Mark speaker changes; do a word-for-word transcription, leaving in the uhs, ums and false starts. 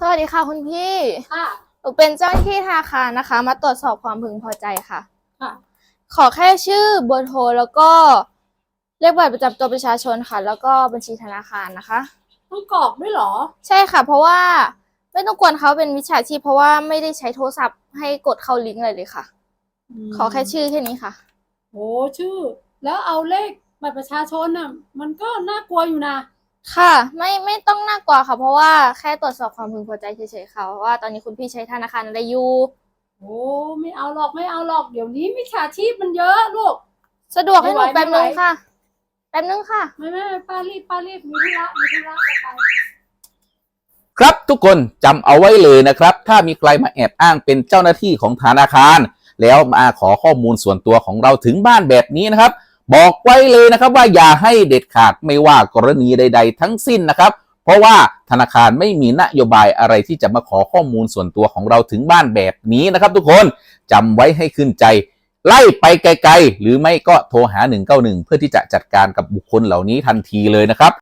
Speaker 1: วัสดีค่ะคุณพี่
Speaker 2: ค่ะ
Speaker 1: หนูเป็นเจ้าหน้าที่ธนาคารนะคะ มาตรวจสอบความพึงพอใจค่ะ
Speaker 2: ค่ะ
Speaker 1: ขอแค่ชื่อเบอร์โทรแล้วก็เลขบัตรประจำตัวประชาชนค่ะ แล้วก็บัญชีธนาคารนะคะ
Speaker 2: ต้องกรอกด้วยเหรอ
Speaker 1: ใช่ค่ะ เพราะว่าไม่ต้องกวนเขาเป็นมิจฉาชีพเพราะว่าไม่ได้ใช้โทรศัพท์ให้กดเข้าลิงก์อะไรเลยค่ะ ขอแค่ชื่อแค่นี้ค่ะ
Speaker 2: โอ้ชื่อ แล้วเอาเลขบัตรประชาชนน่ะ มันก็น่ากลัวอยู่นะ
Speaker 1: ค่ะ ไม่ไม่ต้องน่ากลัวค่ะ เพราะว่าแค่ตรวจสอบความพึงพอใจเฉยๆค่ะว่าตอนนี้คุณพี่ใช้ธนาคารอะไรอยู่
Speaker 2: โอ้ไม่เอาหรอกไม่เอาหรอกเดี๋ยวนี้มิจฉาชีพมันเยอะลูก
Speaker 1: สะดวกให้หนู
Speaker 2: ไม่ไหว
Speaker 1: แป๊บนึง
Speaker 2: ไม่ไหว
Speaker 1: ค่ะ แป๊บนึงค่ะ
Speaker 2: ไม่ไม่ไม่ป้ารีบป้ารีบมีธุระมีธุระจะไป
Speaker 3: ครับทุกคนจำเอาไว้เลยนะครับ ถ้ามีใครมาแอบอ้างเป็นเจ้าหน้าที่ของธนาคาร แล้วมาขอข้อมูลส่วนตัวของเราถึงบ้านแบบนี้นะครับ บอกไว้เลยนะครับว่าอย่าให้เด็ดขาดไม่ว่ากรณีใดๆทั้งสิ้นนะครับ เพราะว่าธนาคารไม่มีนโยบายอะไรที่จะมาขอข้อมูลส่วนตัวของเราถึงบ้านแบบนี้นะครับ ทุกคนจำไว้ให้ขึ้นใจ ไล่ไปไกลๆหรือไม่ก็โทรหาหนึ่งเก้าหนึ่งเพื่อที่จะจัดการกับบุคคลเหล่านี้ทันทีเลยนะครับ